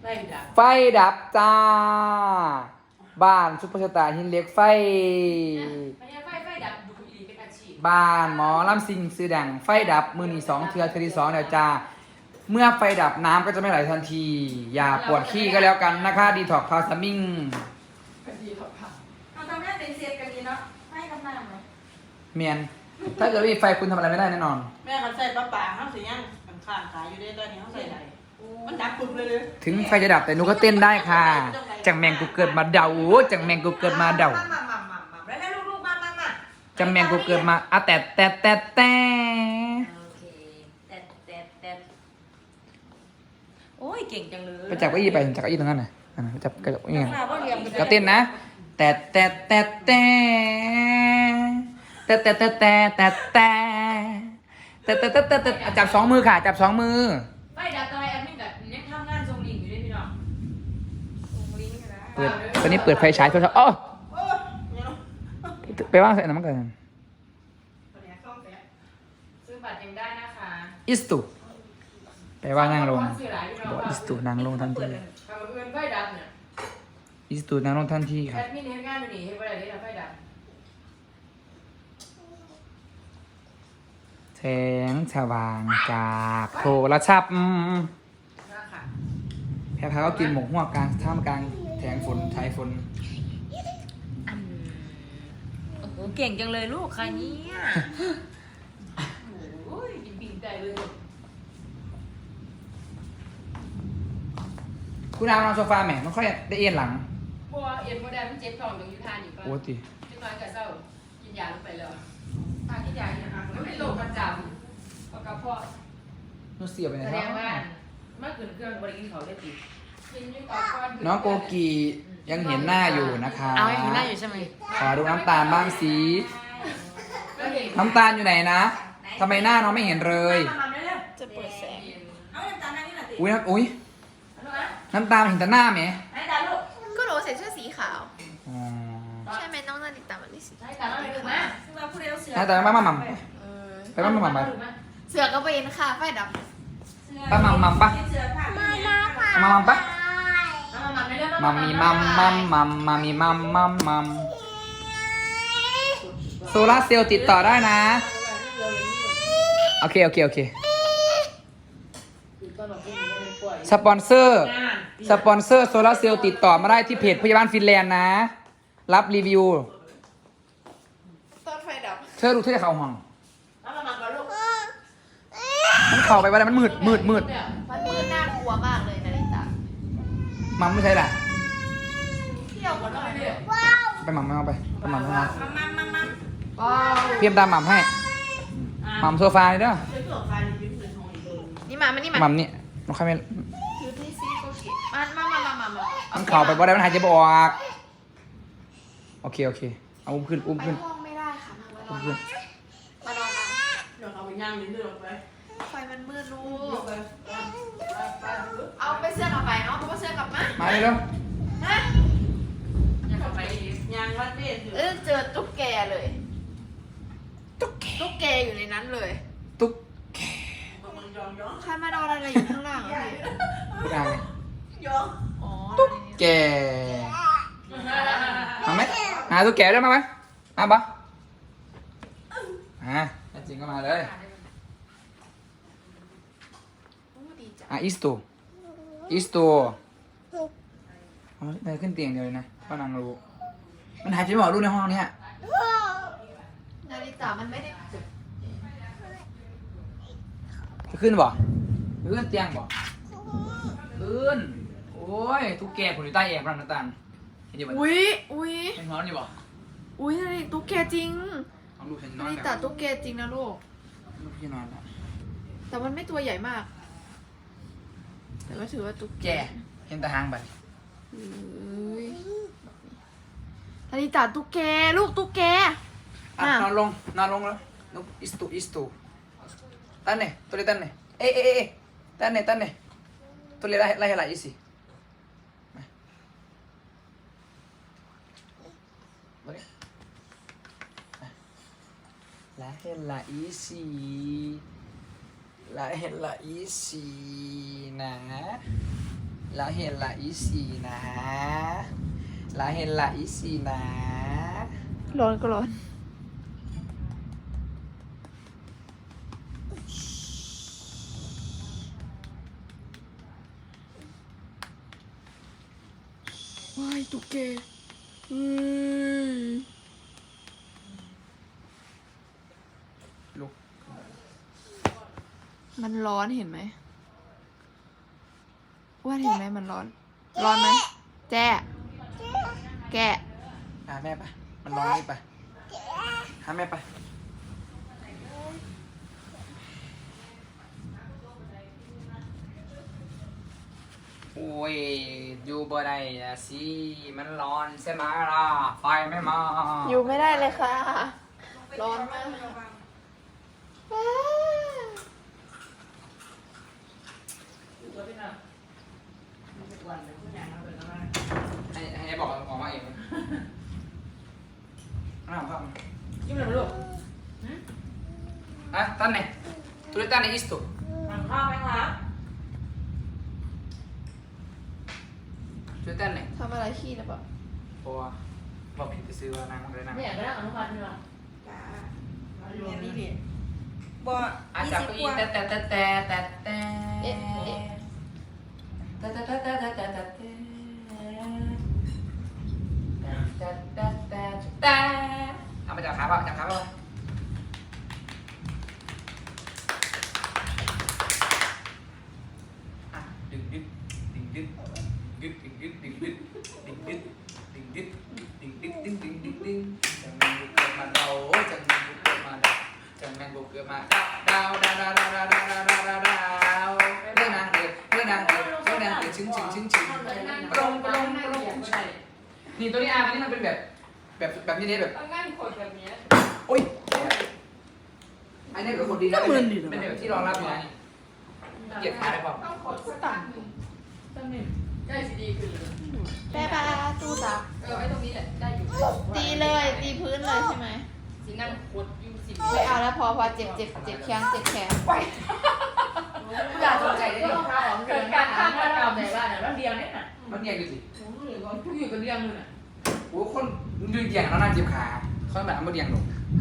ไฟดับจ้าบ้านซุปเปอร์สตาร์หินเหล็กไฟดับดูอีเป็นอาชีพบ้านหมอลำซิงซื้อดังไฟดับมือนี่2 เทือที่2เดี๋ยวจ้าเมื่อไฟดับน้ำก็จะไม่ไหลทันทีอย่าปวดขี้ก็แล้วกันนะคะดีท็อกพาสมิงเราทำให้เป็นเสียกันดีเนาะให้กำลังเลยเมียนถ้าเกิดไม่มีไฟคุณทำอะไรไม่ได้แน่นอนแม่เขาใส่ปลาป่าเขาสิยังข้างขายอยู่ได้ตอนนี้เขาใส่ไหนมันดับปุ๊บเลยถึงไฟจะดับแต่หนูก็เต้นได้ค่ะจังแมงกูเกิดมาเดาจังแมงกูเกิดมาเดาแล้วลูกๆมาจังแมงกูเกิดมาอ่ะแต่โอเคแต่โอ้ยเก่งจังเลยไปจับเก้าอี้ไปจับเก้าอี้ตรงนั้นน่ะจับเก้าอี้กันก็เต้นนะแต่จับ2 มือค่ะจับ2 มือไฟดับตอนแอดมินกับยังทำงานทรงลิงอยู่ด้วยพี่น้องทรงลิงนะเปิดตอนนี้เปิดไฟฉายโทรศัพท์อ๋อไปว่างใส่น้ำมันกันซื้อบัตรยังได้นะคะอิสตุไปว่านั่งลงบอกอิสตุนั่งลงทันทีไฟดับเนี่ยอิสตุนั่งลงทันทีครัแอบ ดมินเห็นงานอยู่นี่เห็นว่าอะไรนี่ไฟดับแสงสว่างจากโทรศัพท์แพรพาก็กินหมกหัวกลางท่ามกลางแถงฝนชายฝนโอ้โหเก่งจังเลยลูกใครเนี่ยโอ้ยบิ่งใจเลยคุณนอนโซฟาแหม่ไม่ค่อยได้เอียนหลังพวกเอ็นโมเดลมันเจ็บท้องตรงยุทธานี่ก็โอ้ติที่น้อยกับเศร้ากินยาลงไปแล้วทานกินยาเนี่ยค่ะมันเป็นโรคประจำเพราะกระเพาะนูเสียไปไหนแสคดรับงว่าเมื่อคืนเครื่องบริกินเขาได้ติกินยิ่งก่อนน้องโกกียังเห็นหน้าอยู่นะคะเอาเห็นหน้าอยู่ใช่ไหมขอดูน้ำตาลบ้างสิน้ำตาลอยู่ไหนนะทำไมหน้าน้องไม่เห็นเลยจะเปิดแสงเอาน้ำตาลนี่แหละติอุ้ยน้ำตาลเห็นแต่หน้าไหมไหนตาลูกก็หนูใส่เสื้อสีขาวอ๋อใช่ไหมน้องนาฬิตามันนี่สีใช่แต่เราไม่ถึงนะซึ่งเราพูดเร็วเสือหน้าตามาหม่ำไปมาหม่ำไปเสือกระเบนค่ะไฟดับป้าหม่ำปะเสือผ้ามามาค่ะมาหม่ำปะมามัมมีมัมมามีมัมโซลาร์เซลล์ติดต่อได้นะโอเคสปอนเซอร์โซลาร์เซลล์ติดต่อมาได้ที่เพจพยาบาลฟินแลนด์นะรับรีวิวตอนไฟดับเธอรู้เธอจะเข้าห้องมาก่อนลูกมันเข้าไปว่ามันมืดมันมืดน่ากลัวมากเลยนาฬิตามัมไม่ใช่แหละเที่ยวหมดเลยไปมัมไม่เอาไปมัมให้น้องมาเพียมตามมัมให้มัมโซฟาเลยเด้อนี่มานี่มามัมนี่น้องใครไม่ถือที่ซีโกกิมามันเข้าไปว่าได้มันหายใจไม่ออกโอเคเอาอุ้มขึ้นไปห้องไม่ได้ค่ะมานอนมานอนเดี๋ยวเอาไปย่างนิดนึงไปไฟมันมืดลูกเอาไปเสื้อกลับไปเนาะเพราะว่าเสื้อกลับมามาเร็วฮะยังไปย่างวัดเด็ดเจอตุ๊กแกเลยตุ๊กแกอยู่ในนั้นเลยตุ๊กมึงยองใครมานอนอะไรอยู่ข้างล่างอะพี่ตุ๊กอะไรยองอ๋อตุ๊กแกมาไหมหาตุ๊กแกได้มาไหมมาปะจริงก็มาเลยดีจังอิสโตได้ขึ้นเตียงเดียวเลยนะพ่อนางรู้มันหายใจไม่ออกลูกในห้องนี้นาฬิตามันไม่ได้จะขึ้นบ่ขึ้นเตียงบ่ขึ้นโอ้ยตุ๊กแกผมอยู่ใต้แอร์พลังน้ำตาลเห็นอยู่บ่อุ้ยเป็นร้อนอยู่บ่นาฬิตุ๊กแกจริงเอาลูกฉันนนาอนฬิแบบตาตุ๊กแกจริงนะลูกลูกพี่นอนแล้วแต่มันไม่ตัวใหญ่มาก แต่ก็ถือว่าตุ๊กแกเห็นแต่หางไปนาฬิตาตุ๊กแกลูกตุ๊กแกนอนลงแล้วลูกอิสตูตั้นเนี่ยตัวเล็กตั้นเนี่ยเอ๊ะตั้นเนี่ยตัวเล็กไล่ให้ไหลอีสิไล่ให้ไหลอีสินะละเห็นละอีสีนะละเห็นละอีสีนะร้อนก็ร้อนว้ายตุ๊กแกลุกมันร้อนเห็นไหมว่าเห็นไหมมันร้อน ร้อนไหมแจ้แกะหาแม่ปะมันร้องนี่ปะหาแม่ปะโอ้ยอยู่บ่ได้อะสิมันร้อนใช่ไหมล่ะไฟไม่มาอยู่ไม่ได้เลยค่ะ ร้อนมากให้บอกออกมาเองน้ำครับยิ้มเลยลูกอ่ะตั้นไหนตุลิตันในอิสตุทานข้าวไหมคะตุลิตันไหนทำอะไรขี้นะปะเพราะว่าบอกผิดไปซื้อว่านางเลยนะไม่อยากได้อนุบาลนี่หรอจ้าเรียนนี่ดิบ่อาจจะก็อีแต่แต่เอ๊ะเอ๊ะเอามาจับขาป่ะจับขาป่ะดึงดึงดึงดึงดึงดึงดึงดึงดึงดึงดึงดึงดึงดึงดึงดึงดึงดึงดึงจังแมงบุกเกิดมาดาวจังแมงบุกเกิดมาดาวจังแมงบุกเกิดมาดาวดาวดาวดาวดาวดาวดาวดาวดาวเรื่องนางเดือดเรื่องนางเดือดเรื่องนางเดือดชึ้งชึ้งชึ้งชึ้งปรงปรงปรงนี่ตัวนี้อาร์นี่มันเป็นแบบนี้แบบง่ายคนแบบนี้โอ้ยอันนี้ก็คนดีนะเป็นแบบที่รองรับอยู่นะเกียรติขาได้ป่ะต้องขอสักตังค์ตั้งหนึ่งได้สิดีขึ้นเลยแม่ปลาตู้ซักไอ้ตรงนี้แหละได้อยู่ตีเลยตีพื้นเลยใช่ไหมสินั่งขดอยู่สิไม่เอาแล้วพอเจ็บแข้งเจ็บแขนอยากสนใจได้ดีข้าวของเกิดการข้ามบ้านเราในบ้านน่ะแล้วเดียวเนี่ยน่ะมันเรียงอยู่สิทุกอยู่กับเรื่องนึงน่ะโอ้คนดูเรียงแล้วน่าเจ็บขาเขาแบบมันเรียงหนู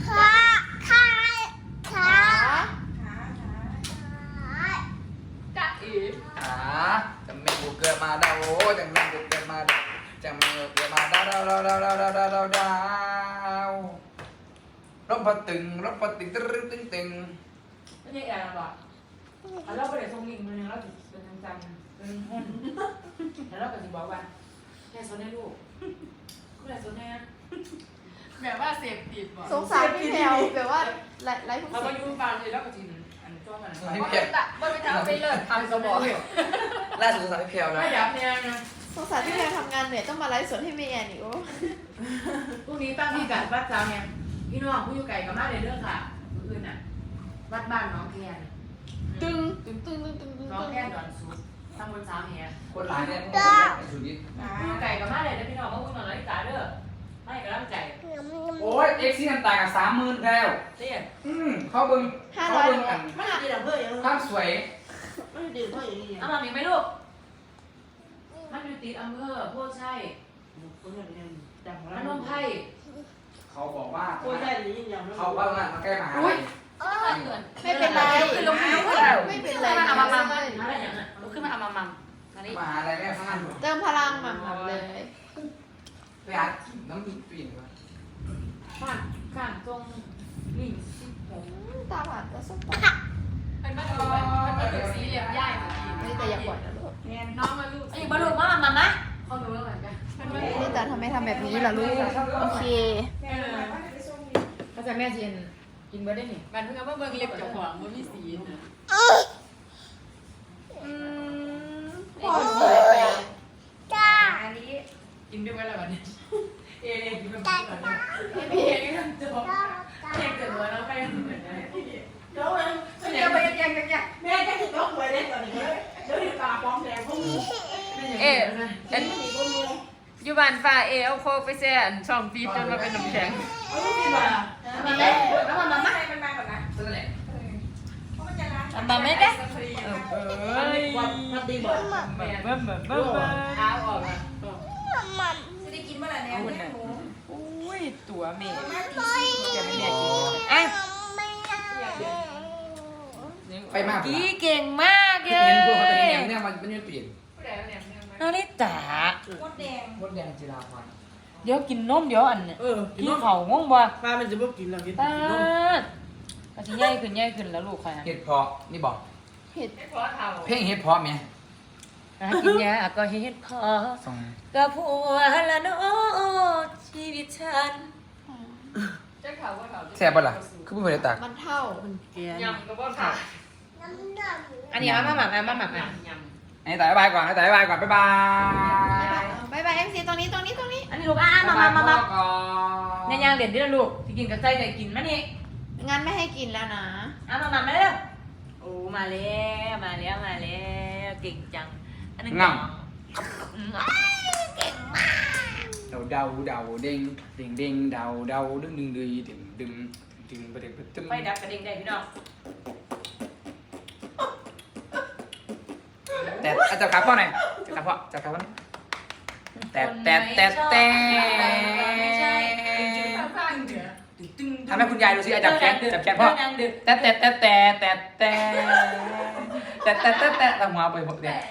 จ้าเอ๋ขาจังแมงบุกเกิดมาดาวจังแมงบุกเกิดมาดาวจังแมงบุกเกิดมาดาวดาวดาวดาวดาวดาวดาวดาวดาวรบปะตึงรบปะตึงตึ้งตึ้งตึงไม่ใช่แอร์หรอกเราไปเดี๋ยวส่งลิงก์มาเนี่ยเราจะเป็นจังๆเป็นห้องแล้วเราก็จะบอกว่าแค่สนให้ลูกก็เลยสนให้แบบว่าเสพติดบ่สงสารพี่แพลวแบบว่าไร้ผู้เราเสีก็ยยุ่งบานเลยแล้วก็จีนอันจ้องมันให้เพียวว่าไปทำไปเลิศทำสมองล่าสุดสายเพียวนะไม่ยับเนี่ยนะสงสารพี่แพลวทำงานเหนื่อยต้องมาไลฟ์สดให้เมียนี่โอ้พรุ่งนี้ตั้งที่กัดวัดเจ้าเนี่ยพี่น้องผู้อยู่ไก่กับมาในเรื่องค่ะอื่นน่ะวัดบ้านน้องแคนตึงน้องแคนดอนซุปตำบลสามแหคนหลายเนี่ยมันสุดนิดผู้อยู่ไก่กับมาเลยนะพี่น้องมาพูดหน่อยนาฬิกาเด้อไม่กระลังใจโอ้ยเอ็กซี่น้ำตากับ30,000แล้วเตี้ยเขาเบิ้งเขาเบิ้งอันไม่ได้ดีแต่เพื่อนยังภาพสวยไม่ได้ดีเพื่อนอย่างนี้เอามามีไหมลูกมันอยู่ติดอำเภอโพธิ์ชัยคนอย่างนี้แต่ของพเรานมไพรเขาบอกว่าโอ้ยได้ดีอย่างเขาว่ามาใกล้มหาลัยไม่เป็นไรไม่เป็นไรเอามามัมอะไรอย่างนั้นลุกขึ้นมาเอามามัมอันนี้มหาลัยแม่ข้างหน้าหนูเติมพลังมันเลยไปหาน้ำปีนก่อนข้างตรงลิงสิบหกตาหวานก็สปอร์เป็นบ้านเป็นสีเหลี่ยมย่ายนี่แต่อย่าปล่อยนะลูกน้องมาลูกไอ้บ้านลูกมามัมนะเขาดูแล้วเหมือนกันนี่แต่ทำไมทำแบบนี้ล่ะลูกโอเคเขาจะแม่เจียนกินเบอร์ได้นี่มันเพิ่งเอาเบิ่งเล็บเจ้าของมันมีสีนะพออันนี้กินด้วยกันแล้ววันนี้เอเล่กินด้วยกันพี่เอนี่ทำจบเอเกิดหัวแล้วไปเหมือนกันเดี๋ยวเลยเดี๋ยวไปยังแม่จะถึงต้องไปเล่นตอนนี้เดี๋ยวถึงตาป้องแดงพวกนี้อยู่บ้านฝ่าเอเอาโคกไปแซ่ช่องปีจนมาเป็นน้ำแข็งเอาลูกพี่มามาไหมแล้วมาไหมให้มันมาก่อนนะนั่นแหละเพราะมันจะล้างมาไหมเด้เออวันพัดดีบอกแม่เบิ่มเท้าออกอ่ะจะได้กินเมื่อไหร่เนี่ยแม่หมูอุ้ยตัวแม่มาตีจะไม่แม่กินอ่ะไปมากกี้เก่งมากเลเห็ยนพวกเขาเป็นอย่างเนี้ยมันไม่เปลี่ยนนาริตามดแดงมดแดงจิราพรเดี๋ยวกินนมเดี๋ยวอันเนี่ยกิกินนนมเขาง่วงบ่ปลามันจะบ่กินแล้วกินตากินนมก็สิใหญ่ขึ้นแล้วลูกค่ะเห็ดเพาะนี่บอกเห็ดเพลงเห็ดเพาะไหมกินยาก็เฮ็ดพอสองกับผัวละเนาะชีวิตฉันแซ่บปะล่ะคือผู้บริตากมันเท่าแกนยำก็บ่ค่ะอันนี้มาหมักมาหมักอ่ะไอ้ตายบายก่อนไอ้ตายบายก่อนบ๊ายบายบายบายเอ็มซีตรงนี้อันนี้ลูกมาก่อนเนี่ยย่างเด็ดด้วยลูกที่กินกับไส้ไก่กินมานี่งั้นไม่ให้กินแล้วนะมาเร็วโอ้มาแล้วเก่งจังอันนึงเดาเด้งเด้งเดาดึงดึงประเด็นตึ้มไฟดับกระดิ่งได้พี่น้องแต่จับขาพ่อหน่อยจับพ่อจับขาพ่อแต่ทำให้คุณยายดูสิจับแขนพ่อแต่ทำหัวไปหมดเนี่ย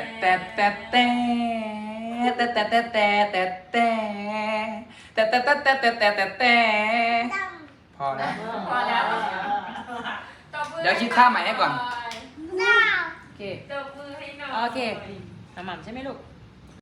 แต่พอแล้วพอแล้วเดี๋ยวคิดท่าใหม่ให้ก่อนโอเคโอเคหม่ำใช่ไหมลูก